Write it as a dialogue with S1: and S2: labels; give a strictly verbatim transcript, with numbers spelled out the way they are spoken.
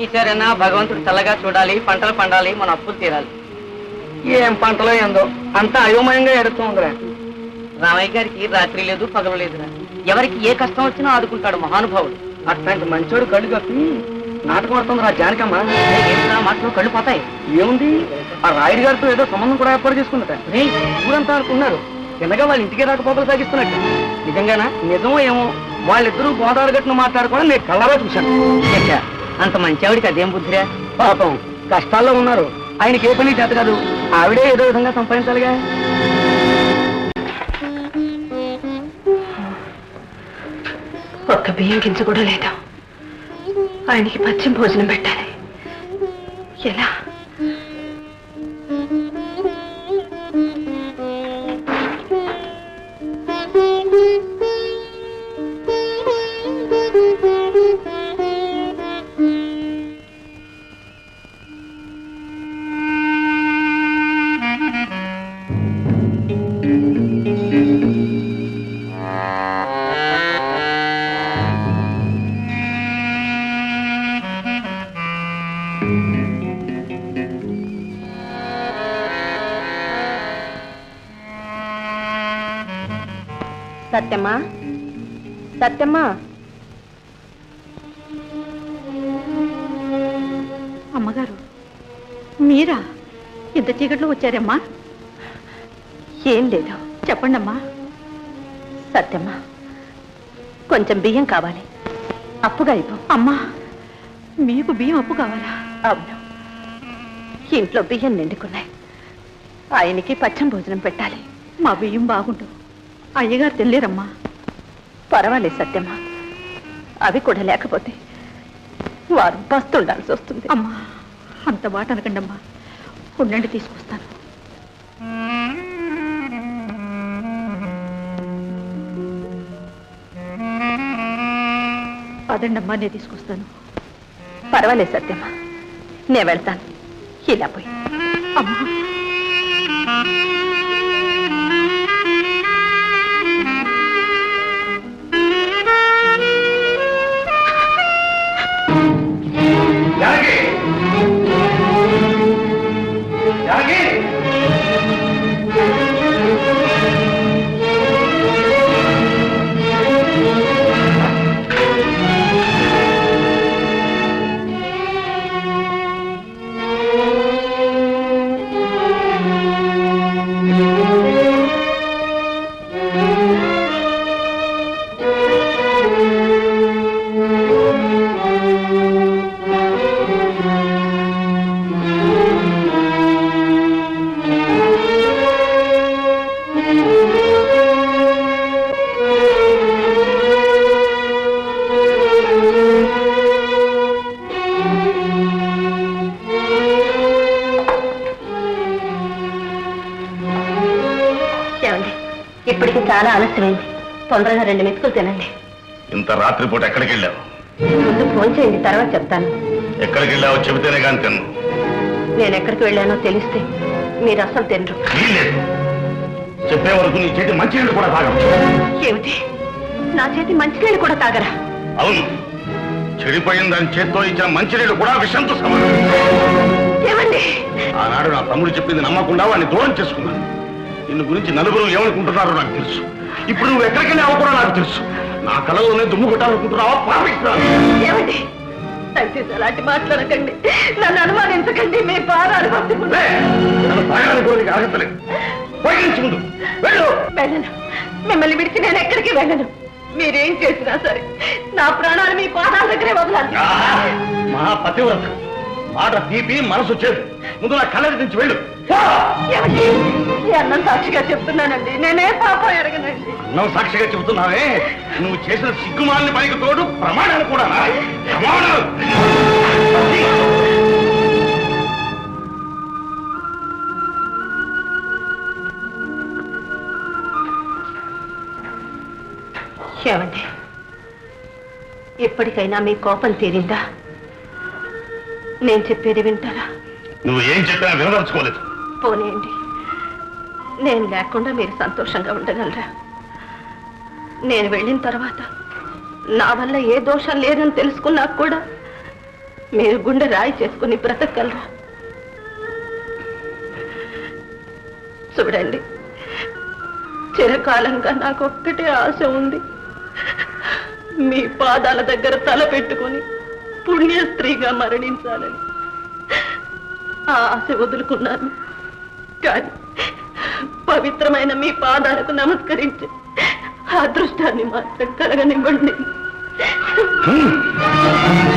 S1: ఈసారైనా భగవంతుడు చల్లగా చూడాలి, పంటలు పండాలి, మన అప్పులు తీరాలి. ఏం పంటలో ఏందో అంతా అయోమయంగా ఎడుతుందిరా. రామయ్య గారికి రాత్రి లేదు, పగలు లేదురా. ఎవరికి ఏ కష్టం వచ్చినా ఆదుకుంటాడు మహానుభావుడు. అట్లాంటి మంచోడు కళ్ళు కప్పి నాటకం ఆడుతుంది రా జానకమ్మ. ఏంటా మాటలు కళ్ళు పోతాయి? ఏముంది, ఆ రాయుడు గారితో ఏదో సంబంధం కూడా ఏర్పాటు చేసుకున్నట. ఊరంతా అనుకున్నారు, తిన్నగా వాళ్ళ ఇంటికి రాకపోకలు సాగిస్తున్నట్టు. నిజంగానా? నిజమో ఏమో, వాళ్ళిద్దరూ గోదావరి గట్టును మాట్లాడుకోవడం నేను కళ్ళలో చూశాను. అంత మంచి ఆవిడికి అదేం బుద్ధిరా. పాపం కష్టాల్లో ఉన్నారు, ఆయనకి ఏ పని చేత కాదు, ఆవిడే ఏదో విధంగా సంపాదించాలిగా.
S2: ఒక్క బియ్యం గింజ కూడా లేదా, ఆయనకి పచ్చిమ భోజనం పెట్టాలి. ఎలా? సత్యమ్మా, సత్యమ్మా.
S3: అమ్మగారు మీరా? ఇంత చీకట్లో వచ్చారమ్మా?
S2: ఏం లేదు,
S3: చెప్పండి అమ్మా.
S2: సత్యమ్మా, కొంచెం బియ్యం కావాలి, అప్పుగా ఇవ్వు.
S3: అమ్మా, మీకు బియ్యం అప్పు కావాలా?
S2: అవును, ఇంట్లో బియ్యం నిండుకున్నాయి, ఆయనకి పచ్చం భోజనం పెట్టాలి.
S3: మా బియ్యం బాగుండు, అయ్యగారు తినలేరమ్మా.
S2: పర్వాలేదు సత్యమ్మా, అవి కూడా లేకపోతే వారు పస్తుండాల్సి వస్తుంది.
S3: అమ్మా, అంత మాట అనకండి అమ్మా, ఉండండి తీసుకొస్తాను. అదండమ్మా, నేను తీసుకొస్తాను.
S2: పర్వాలేదు సత్యమ్మా, నేను వెళ్తాను. ఇలా పోయి.
S3: అమ్మా,
S2: ఇప్పటికి చాలా ఆలస్యమైంది, తొందరగా రెండు మెతుకులు తినండి.
S4: ఇంత రాత్రిపూట ఎక్కడికి వెళ్ళావు?
S2: ముందు ఫోన్ చేయండి, తర్వాత చెప్తాను.
S4: ఎక్కడికి వెళ్ళావో చెబితేనే కానీ తిన్ను.
S2: నేను ఎక్కడికి వెళ్ళానో తెలిస్తే మీరు అసలు తినరు.
S4: చెప్పే వరకు నీ చేతి మంచినీళ్ళు కూడా తాగం.
S2: ఏమిటి, నా చేతి మంచినీళ్ళు కూడా తాగరా?
S4: అవును, చెడిపోయిన దాని చేత్తో ఇచ్చిన మంచినీళ్ళు కూడా విషంతో సమానం.
S2: ఏమండి,
S4: ఆనాడు నా తమ్ముడు చెప్పింది నమ్మకుండా వాడిని దూరం చేసుకున్నాను. నిన్ను గురించి నలుగురు ఏమనుకుంటున్నారో నాకు తెలుసు. ఇప్పుడు నువ్వు ఎక్కడికి వెళ్ళావో కూడా నాకు తెలుసు. నా కళలోనే దుమ్ము కొట్టాలనుకుంటున్నావా? పాపిస్తున్నాను.
S2: ఏమండి, దయచేసి అలాంటి మాట్లాడకండి, నన్ను అనుమానించకండి. మీ పాదాలు పట్టుకుంటే
S4: నన్ను తాగాలనుకోనికి ఆగతలేదు. ముందు వెళ్ళు.
S2: వెళ్ళను, మిమ్మల్ని విడిచి నేను ఎక్కడికి వెళ్ళను. మీరేం చేసినా సరే నా ప్రాణాలు మీ పాదాల దగ్గరే వదలాలి.
S4: మహా పతివ్రత, మాట తీపి మనసు చేదు. ముందు నా కళ్ళ నుంచి వెళ్ళు.
S2: అన్నం సాక్షిగా చెప్తున్నానండి, నేనే పాపం ఎరగనండి.
S4: అన్నం సాక్షిగా చెబుతున్నావే, నువ్వు చేసిన సిగ్గుమాలని పనికి తోడు ప్రమాణాలు కూడా. ప్రమాణాలు
S2: ఏమండి, ఎప్పటికైనా మీ కోపం తీరిందా? నేను చెప్పేది వింటారా?
S4: నువ్వు ఏం చెప్పినా వినదలుచుకోలేదు.
S2: పోనీయండి, నేను లేకుండా మీరు సంతోషంగా ఉండగలరా? నేను వెళ్ళిన తర్వాత నా వల్ల ఏ దోషం లేదని తెలుసుకున్నా కూడా మీరు గుండె రాయి చేసుకుని బ్రతకగలరా? చూడండి, చిరకాలంగా నాకు ఒక్కటే ఆశ ఉంది. మీ పాదాల దగ్గర తల పెట్టుకుని పుణ్య స్త్రీగా మరణించాలని. ఆ ఆశ వదులుకున్నాను, కానీ పవిత్రమైన మీ పాదాలకు నమస్కరించి అదృష్టాన్ని మాత్రం కలగనివ్వండి.